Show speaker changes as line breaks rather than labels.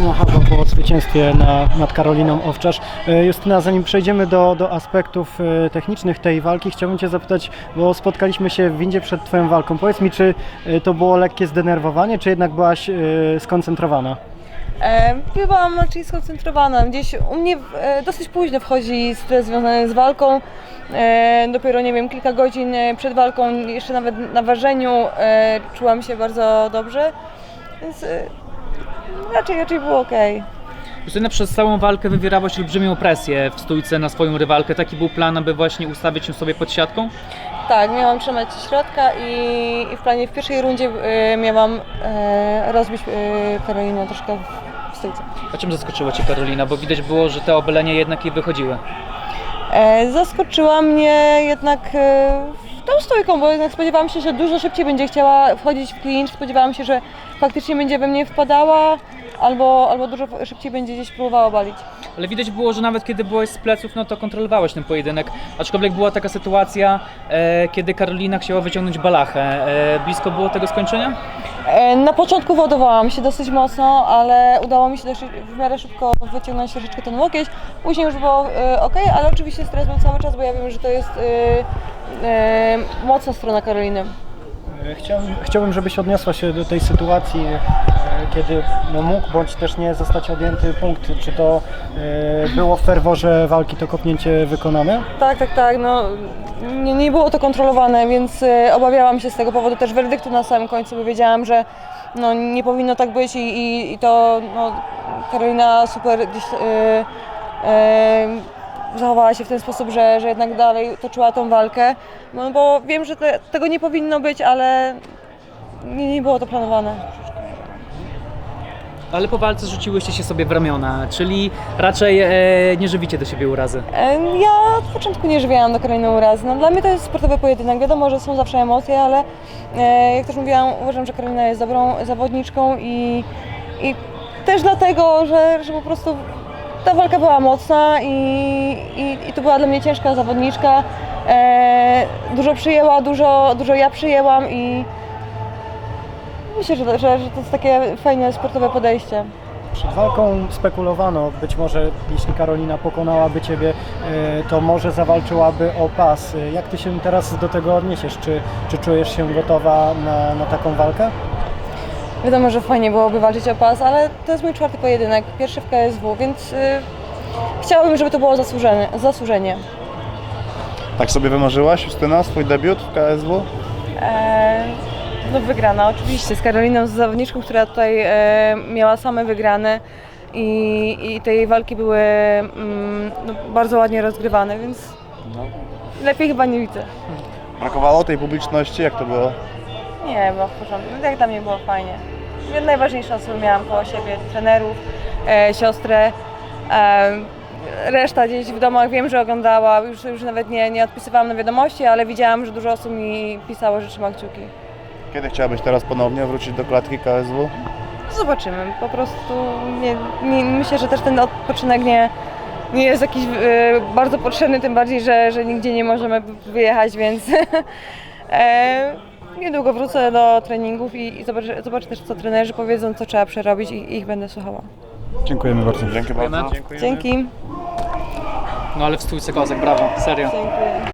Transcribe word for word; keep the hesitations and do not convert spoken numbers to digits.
Justyna Hawa po zwycięstwie na, nad Karoliną Owczarz. Justyna, zanim przejdziemy do, do aspektów technicznych tej walki, chciałbym Cię zapytać, bo spotkaliśmy się w windzie przed Twoją walką. Powiedz mi, czy to było lekkie zdenerwowanie, czy jednak byłaś skoncentrowana?
E, byłam raczej skoncentrowana. Gdzieś u mnie e, dosyć późno wchodzi stres związany z walką. E, dopiero, nie wiem, kilka godzin przed walką, jeszcze nawet na ważeniu e, czułam się bardzo dobrze, więc e, raczej, raczej było ok.
Justyna, przez całą walkę wywierałaś olbrzymią presję w stójce na swoją rywalkę. Taki był plan, aby właśnie ustawić ją sobie pod siatką?
Tak, miałam trzymać środka i, i w planie w pierwszej rundzie e, miałam e, rozbić e, Karolinę troszkę w stójce.
A czym zaskoczyła Cię Karolina? Bo widać było, że te obalenia jednak jej wychodziły.
E, zaskoczyła mnie jednak e, tą stójką, bo jednak spodziewałam się, że dużo szybciej będzie chciała wchodzić w clinch. Spodziewałam się, że faktycznie będzie we mnie wpadała albo, albo dużo szybciej będzie gdzieś próbowała obalić.
Ale widać było, że nawet kiedy byłaś z pleców, no to kontrolowałeś ten pojedynek. Aczkolwiek była taka sytuacja, e, kiedy Karolina chciała wyciągnąć balachę. E, blisko było tego skończenia?
E, na początku wodowałam się dosyć mocno, ale udało mi się dość, w miarę szybko wyciągnąć troszeczkę ten łokieć. Później już było e, ok, ale oczywiście stres był cały czas, bo ja wiem, że to jest e, e, mocna strona Karoliny.
Chciałbym, chciałbym, żebyś odniosła się do tej sytuacji, kiedy no, mógł bądź też nie zostać odjęty punkt. Czy to e, było w ferworze walki to kopnięcie wykonane?
Tak, tak, tak. No, nie, nie było to kontrolowane, więc e, obawiałam się z tego powodu też werdyktu na samym końcu, bo wiedziałam, że no, nie powinno tak być i, i, i to no, Karolina super gdzieś e, e, zachowała się w ten sposób, że, że jednak dalej toczyła tą walkę, no bo wiem, że te, tego nie powinno być, ale nie, nie było to planowane.
Ale po walce rzuciłyście się sobie w ramiona, czyli raczej e, nie żywicie do siebie urazy.
E, Ja od początku nie żywiałam do Karoliny urazy. No, dla mnie to jest sportowy pojedynek. Wiadomo, że są zawsze emocje, ale e, jak też mówiłam, uważam, że Karolina jest dobrą zawodniczką i, i też dlatego, że, że po prostu ta walka była mocna i, i, i to była dla mnie ciężka zawodniczka. E, dużo przyjęła, dużo, dużo ja przyjęłam i myślę, że, że, że to jest takie fajne sportowe podejście.
Przed walką spekulowano, być może jeśli Karolina pokonałaby Ciebie, e, to może zawalczyłaby o pas. Jak Ty się teraz do tego odniesiesz? Czy, czy czujesz się gotowa na, na taką walkę?
Wiadomo, że fajnie byłoby walczyć o pas, ale to jest mój czwarty pojedynek, pierwszy w K S W, więc yy, chciałabym, żeby to było zasłużenie. zasłużenie.
Tak sobie wymarzyłaś, Justyna, swój debiut w K S W?
Eee, no wygrana, oczywiście, z Karoliną, z zawodniczką, która tutaj e, miała same wygrane i, i te jej walki były mm, no, bardzo ładnie rozgrywane, więc no, lepiej chyba nie widzę.
Brakowało tej publiczności? Jak to było?
Nie, było w porządku. Jak dla mnie było fajnie. Najważniejsze osoby miałam koło siebie, trenerów, e, siostrę. E, reszta gdzieś w domach wiem, że oglądała, już, już nawet nie, nie odpisywałam na wiadomości, ale widziałam, że dużo osób mi pisało, że trzyma kciuki.
Kiedy chciałabyś teraz ponownie wrócić do klatki K S W?
Zobaczymy, po prostu nie, nie, myślę, że też ten odpoczynek nie, nie jest jakiś e, bardzo potrzebny, tym bardziej, że, że nigdzie nie możemy wyjechać, więc e, niedługo wrócę do treningów i, i zobaczę, zobaczę też, co trenerzy powiedzą, co trzeba przerobić i ich będę słuchała.
Dziękujemy bardzo.
Dzięki bardzo.
Dzięki.
No ale w stójce kozak, brawo, serio.
Dziękuję.